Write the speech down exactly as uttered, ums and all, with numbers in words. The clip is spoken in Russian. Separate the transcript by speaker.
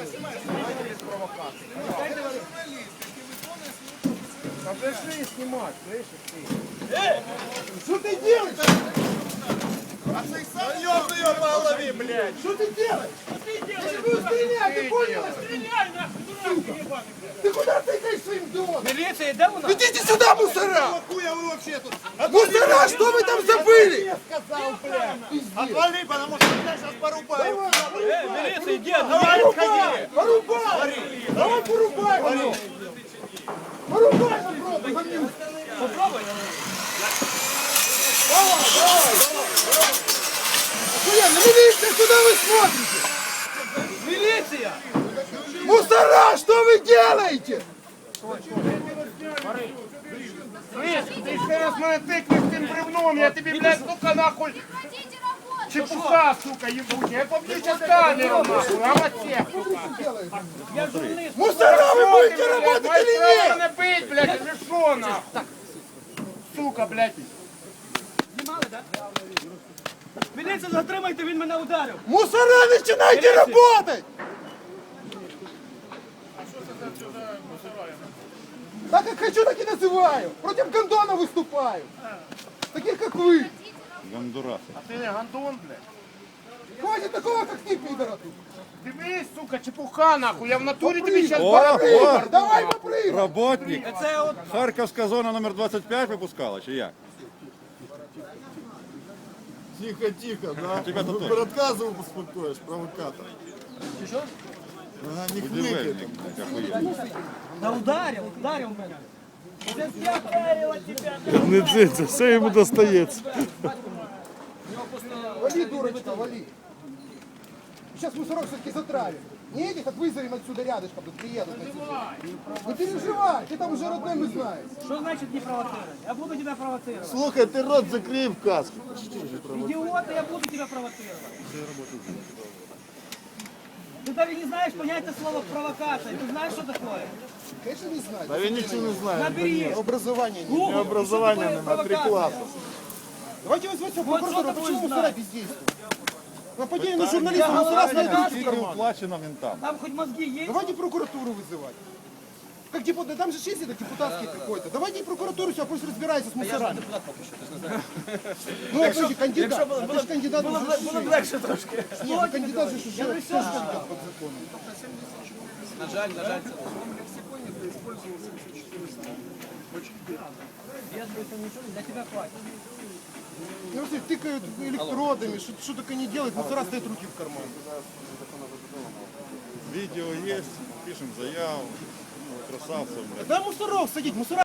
Speaker 1: Покажи снимать, слышишь ты? Эй! Что ты делаешь? А ты сам ёбаный по голове, блядь! Что ты делаешь? Что ты делаешь? Я буду стрелять, ты понял? Стреляй, нахуй, дурак, ебаный! Ты куда тыкаешь своим домом? Милиция, да у нас? Идите сюда, мусора! Хуя вы вообще тут? Мусора, что вы там забыли? Я сказал, блядь! Отвали, потому что меня сейчас порубают! Эй, милиция, иди, давай, отходи! Порубай! Давай порубай! Порубай, попробуй, гомнюк! Попробуй! Давай, давай, давай! Охуенно, милиция, куда вы смотрите? Милиция! Мусора, что вы делаете? Слышь, ты еще раз меня тыкнешь тем бревном, я тебе, блядь, сука, нахуй... Чепуха, сука, ебучая, я побью сейчас камеру, нахуй, а вот всех, сука. Я журналист. Мусора, вы будете работать или нет? Мои быть, блядь, или шо, нахуй? Сука, блядь.
Speaker 2: Знімали, да? Міліцію затримайте, він мене ударив.
Speaker 1: Мусора, начинайте работать! Так как хочу, так и называю. Против гондона выступаю. Таких, как вы.
Speaker 3: Гондурас.
Speaker 1: А ты не гондон, блядь? Хватит такого, как ты, пидора тут. Дивись, сука, чепуха, нахуй. Я в натуре тебе сейчас
Speaker 3: О,
Speaker 1: попрыгаю.
Speaker 3: о.
Speaker 1: Давай попрыгай.
Speaker 3: Работник.
Speaker 2: Це от
Speaker 3: Харківська зона номер двадцять п'ять випускала, чи як?
Speaker 4: Тихо, тихо, да?
Speaker 3: Тебя тут
Speaker 4: Вы
Speaker 3: тоже.
Speaker 4: рассказывал, успокоишь, провокатор.
Speaker 2: що?
Speaker 4: Ага, не хныкай.
Speaker 3: Будівельник. охуєнний.
Speaker 2: Да ударив, ударив мене. Це я ударила тебе.
Speaker 4: Не дзиться, все ему достается.
Speaker 1: Вали, дурочка, вали. Сейчас мусорок все-таки затравим. Не этих, как вызовем отсюда рядышком, тут приедут. на тебя. Не переживай, ты там уже родной, мы знаем.
Speaker 2: Що значить не провоцировать? Я буду тебя провоцировать.
Speaker 4: Слухай, ты рот закрой в каску.
Speaker 2: Идиоты, я буду тебя провоцировать. Ты даже не знаешь понятия слова провокация. Ты знаешь, что такое?
Speaker 1: Конечно, не знаю.
Speaker 4: Да я ничего не знаю.
Speaker 2: Набери.
Speaker 1: Образование нет.
Speaker 4: У меня образование
Speaker 2: Что такое
Speaker 4: на три
Speaker 2: провокация?
Speaker 4: класса.
Speaker 1: Давайте возьмем
Speaker 2: Вот
Speaker 1: прокуратуру,
Speaker 2: что
Speaker 1: почему
Speaker 2: такое
Speaker 1: мусора
Speaker 2: знать?
Speaker 1: бездействуют? Нападение на журналистов,
Speaker 2: Я
Speaker 1: мусора
Speaker 2: говорю,
Speaker 1: знайдут в
Speaker 3: Скільки
Speaker 1: карман.
Speaker 3: уплачено ментам?
Speaker 2: Там хоть мозги есть?
Speaker 1: Давайте прокуратуру вызывать. Как депутат, там же есть это депутатский какой-то. Давайте и прокуратуру сюда, пусть разбирается с мусорами. Ну, подожди, кандидат. А ты же кандидат уже
Speaker 2: Було б легше трошки.
Speaker 1: Нет, ну кандидат же уже тоже кандидат под законом.
Speaker 2: На жаль, на жаль. Я ничего, для тебя хватит.
Speaker 1: Ну, все тыкают электродами, что, что только не делают, мусора стоят руки в карман.
Speaker 3: Відео є, пишемо заяву. Ну, красавцем, блядь.
Speaker 1: Да мусоров садить, мусора